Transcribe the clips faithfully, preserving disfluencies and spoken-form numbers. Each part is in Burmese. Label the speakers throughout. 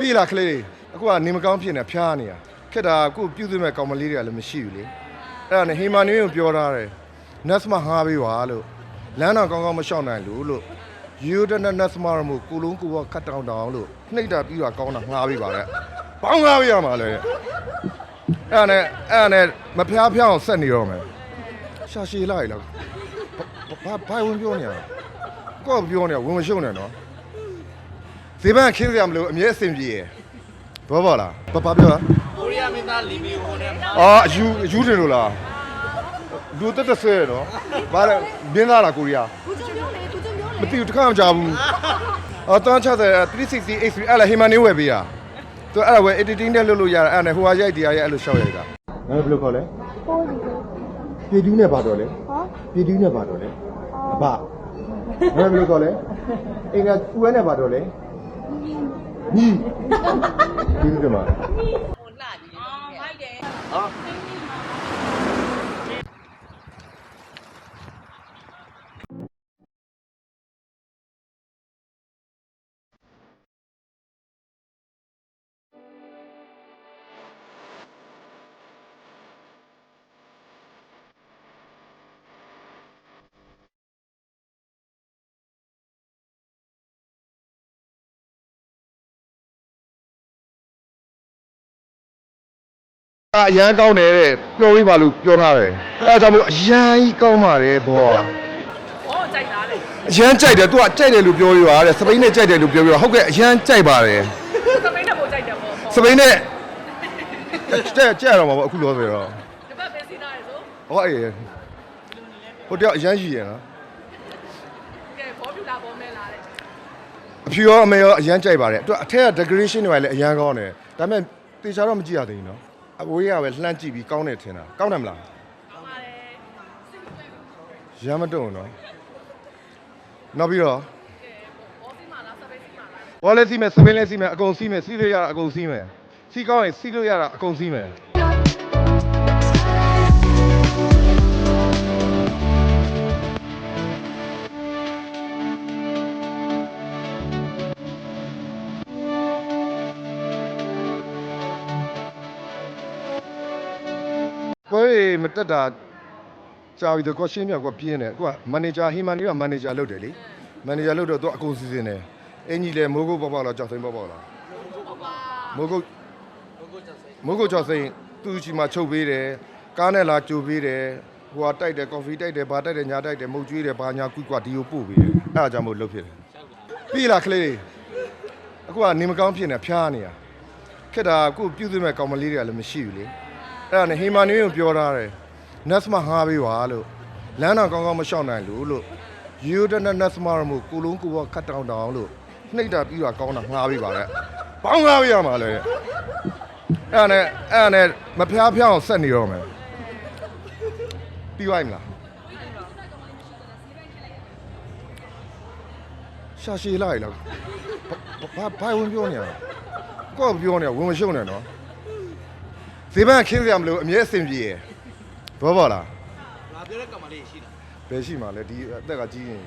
Speaker 1: ပြီလားကလေးအခုကနေမကောင်းဖြစ်နေဖျားနေတာခက်တာအခုပြုစုမဲ့ကောင်မလေးတွေကလည်းမရှိဘူးလေအဲ့ဒါနဲ့ဟီမာနွေကိုပြောထားတယ်နတ်စမဟာပေးပါလို့လမ်းတော်ကောင်းကောင်းမလျှောက်နိုင်လို့လို့ယူဒနနတ်စမရမို့ကိုလုံးကိုကခတ်တောင်းတောင်းလို့နှိပ်တာပြီးတော့ကောင်းတာငှားပေးပါတဲ့ပေါင်းငှားပေးရမှာလေအဲ့ဒါနဲ့အဲ့ဒါနဲ့မဖျားဖျားအောင်ဆက်နေတော့မယ်ရှာရှည်လိုက်လားဘာဘာဝင်ပြောနေရကိုကပြောနေဝင်မရှုံနဲ့နော်ဈေးပန်းခင်းစရာမလိုအမြဲအဆင်ပြေရဘောပါလားဘာဘာပြောကိုရီးယားမင်းသားလီမီဟိုနဲ့အော်အယူအယူတင်လို့လားလူတက်တက်ဆဲနော်ဘာလဲမင်းသားလားကိုရီးယားသူကျုံပြောလေသူကျုံပြောလေမသိဘူးတခါမှမကြားဘူးအော်တန်းချတဲ့three sixty H threeအဲ့လားဟီမန်နေဝယ်ပေးရသူအဲ့ဒါဝယ် editing နဲ့လုပ်လို့ရတယ်အဲ့ဒါနဲ့ဟိုဟာရိုက်တရားရိုက်အဲ့လိုရှောက်ရိုက်တာငါဘယ်လိုခေါ်လဲပိုးဒီပြည်တူးနဲ့ပါတော့လေဟောပြည်တူးနဲ့ပါတော့လေအဘငါဘယ်လိုခေါ်လဲအင်္ဂါဦးဝဲနဲ့ပါတော့လေညီဒီလိုကမှာဟိုလာကြီးအော်မိုက်တယ်ဟောအရန်ကောင်းတယ်တဲ့ပြောပြီးပါလို့ပြောထားတယ်အဲဒါကြောင့်မို့အရန်ကြီးကောင်းပါတယ်ဘောဩကြိုက်တာလေအရန်ကြိုက်တယ် तू ကကြိုက်တယ်လို့ပြောရတာတဲ့စပိန်နဲ့ကြိုက်တယ်လို့ပြောပြဟုတ်ကဲ့အရန်ကြိုက်ပါတယ်စပိန်နဲ့ပိုကြိုက်တယ်ပေါ့စပိန်နဲ့ကြက်ကြက်ရတော့မှာပေါ့အခုလောဆိုတော့ဒီဘက်ပဲစီးသားရဆိုဟောအေးဟိုတယောက်အရန်ရှိရနော်ကဲဘောပြူလာဘောမဲလာတဲ့အဖြူရောအမေရောအရန်ကြိုက်ပါတယ် तू အထက်က decoration တွေလည်းအရန်ကောင်းတယ်ဒါပေမဲ့တေချာတော့မကြည့်ရသေးဘူးနော်အဝေးရပဲလှမ်းကြည့်ပြီးကောင်းတယ်ထင်တာကောင်းတယ်မလားကောင်းပါတယ်ရမ်းမတုံနော်နောက်ပြီးတော့ဘောစီမာလားစပိတ်စီမာလားဘောလည်းစီမယ်စပိတ်လည်းစီမယ်အကုန်စီမယ်စီလို့ရတာအကုန်စီမယ်စီကောင်းရင်စီလို့ရတာအကုန်စီမယ်ကိုယ်မတက်တာကြာပြီတော့ကိုရှင်းပြကိုပြင်းတယ်ကိုကမန်နေဂျာဟီမန်လေးကမန်နေဂျာလုပ်တယ်လေမန်နေဂျာလုပ်တော့သူအကုန်စီစဉ်တယ်အင်ကြီးလည်းမိုးကုတ်ပေါက်ပေါက်လားကြောက်စိမ့်ပေါက်ပေါက်လားမိုးကုတ်မိုးကုတ်ကြောက်စိမ့်သူ့ချီမှာချုပ်ပေးတယ်ကားနဲ့လာကြိုပေးတယ်ဟိုကတိုက်တယ်ကော်ဖီတိုက်တယ်ဘာတိုက်တယ်ညာတိုက်တယ်မုတ်ကျွေးတယ်ဘာညာကွီကွာဒီကိုပို့ပေးတယ်အဲ့ဒါကြောင့်မို့လုပ်ဖြစ်တယ်ပြီလားကလေးအခုကနေမကောင်းဖြစ်နေဖျားနေတာခက်တာအခုပြုစုမဲ့ကောင်မလေးတွေကလည်းမရှိဘူးလေအဲ့ဒါနဲ့ဟီမာနွေကိုပြောထားတယ်နတ်စမဟာပေးပါလို့လမ်းတော်ကောင်းကောင်းမလျှောက်နိုင်လို့လို့ယူဒနနတ်စမရမို့ကိုလုံးကိုကခတ်တောင်းတောင်းလို့နှိပ်တာပြီးတော့ကောင်းတာငှားပေးပါတဲ့ပေါင်းငှားပေးရမှာလေအဲ့ဒါနဲ့အဲ့ဒါနဲ့မဖျားဖျားအောင်ဆက်နေတော့မယ်ပြီးသွားပြီမလားရှာရှည်လိုက်လားဘာဘာဝင်ပြောနေရကိုကပြောနေဝင်မရှုံနဲ့နော်ဈေးပန်းခင်းစရာမလိုအမြဲအဆင်ပြေရဘောပါလားငါပြောတဲ့ကောင်မလေးရှိလားဘယ်ရှိမှာလဲဒီအသက်ကကြီးရင်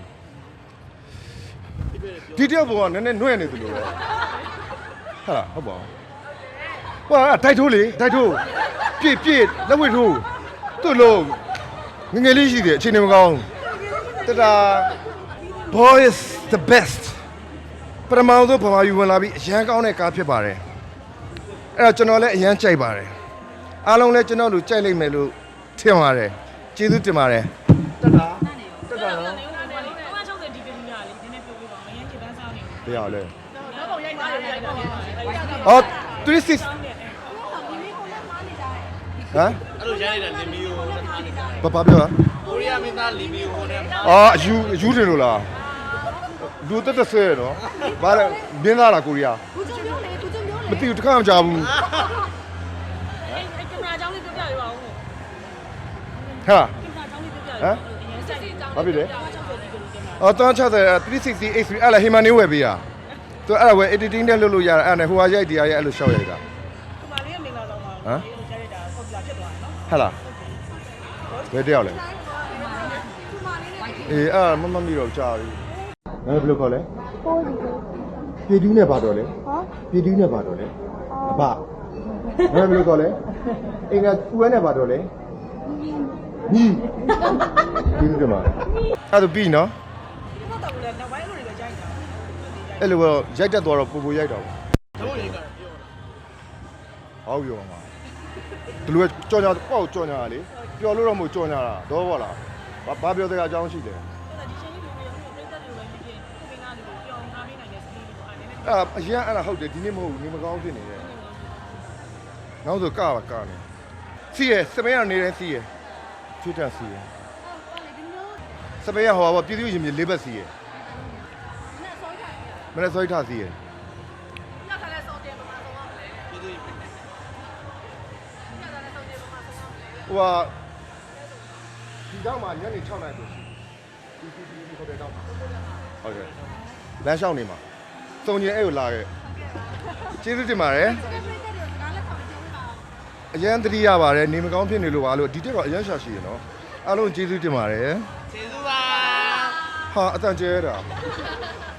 Speaker 1: ဒီတယောက်ဘောကနည်းနည်းနှွဲ့နေသလိုပဲဟာဟုတ်ပါဘူးဟွာတိုက်ထိုးလေတိုက်ထိုးပြည့်ပြည့်လက်ဝှေ့ထိုးသူ့လုံးငငယ်လေးရှိတယ်အချိန်မကောင်းတတာ boy is the best ပထမဆုံးဗမာယူဝင်လာပြီးအရန်ကောင်းတဲ့ကားဖြစ်ပါတယ်အဲ့တော့ကျွန်တော်လည်းအရန်ကြိုက်ပါတယ်အားလုံးလည်းကျွန်တော်တို့ကြိုက်လိုက်မယ်လို့ထင်ပါတယ်ကျေးဇူးတင်ပါတယ်တက်တာတက်တာနော်ဒီကနေ့ရလေနည်းနည်းပြောပြပါမရင်ခေတ္တစားနေဘယ်ရလဲနောက်ပုံရိုက်သားရိုက်ပါအော်three sixဟမ်အဲ့လိုရိုက်နေတာလီမီယိုနဲ့ထားနေတာဘာဘာပြောကိုရီးယားမင်းသားလီမီယိုနဲ့အော်အယူအယူတင်လို့လားလူတက်တက်ဆဲနော်ဘာလဲမင်းသားလားကိုရီးယားသူကျုံပြောလေသူကျုံပြောလေမသိဘူးတခါမှမကြားဘူးဟာဟမ်ဘာဖြစ်လဲအော်တန်းချတဲ့three sixty H threeအဲ့လားဟီမန်နေဝယ်ပေးရသူအဲ့ဒါဝယ် editing နဲ့လုပ်လို့ရတယ်အဲ့ဒါနဲ့ဟိုဟာရိုက်တရားရိုက်အဲ့လိုရှောက်ရိုက်တာဒီမှာလေးကမင်္ဂလာဆောင်ပါဟမ်ရိုက်ရတာပေါ့ပြဖြစ်သွားတယ်နော်ဟဲ့လားဘယ်တယောက်လဲအေးအဲ့မမမီတော့ကြာပြီငါဘယ်လိုခေါ်လဲပိုးဒီပြည်တူးနဲ့ပါတော့လေ
Speaker 2: ဟော
Speaker 1: ပြည်တူးနဲ့ပါတော့လေအဘဘယ်လိုခေါ်လဲအင်္ဂါဦးဝဲနဲ့ပါတော့လေညီဒီလိုကမှာအဲ့ဒါပြီးနော်အဲ့လိုတော့ရိုက်တတ်သွားတော့ပူပူရိုက်တော့ဟုတ်ပြောမှာဒီလိုကြော်ညာပေါ့ကြော်ညာလေပျော်လို့တော့မဟုတ်ကြော်ညာတာတော့ဘောလားဘာပြောတဲ့အကြောင်းရှိတယ်အာအရင်အဲ့ဒါဟုတ်တယ်ဒီနေ့မဟုတ်ဘူးနေမကောင်းဖြစ်နေတယ်နောက်ဆိုကပါကနေစီးရစပင်းကနေတယ်စီးရချွတ်တက်စီးရစပင်းရဟောပါပြည်သူရင်မြေလေးဘက်စီးရမနေ့စောထားစီးရဟိုဟာဒီတော့မှညနေ6နာရီဆိုဒီဒီဒီဟိုတယ်တော့ဟုတ်ကဲ့လမ်းလျှောက်နေမှာစုံကျင်အဲ့ကိုလာခဲ့ကျေးဇူးတင်ပါတယ်အရန်တတိရပါတယ်နေမကောင်းဖြစ်နေလို့ပါလို့ဒီတက်တော့အရန်ရှာရှိရနော်အားလုံးကျေးဇူးတင်ပါတယ်ကျေးဇူးပါဟာအတန်ကျဲတာ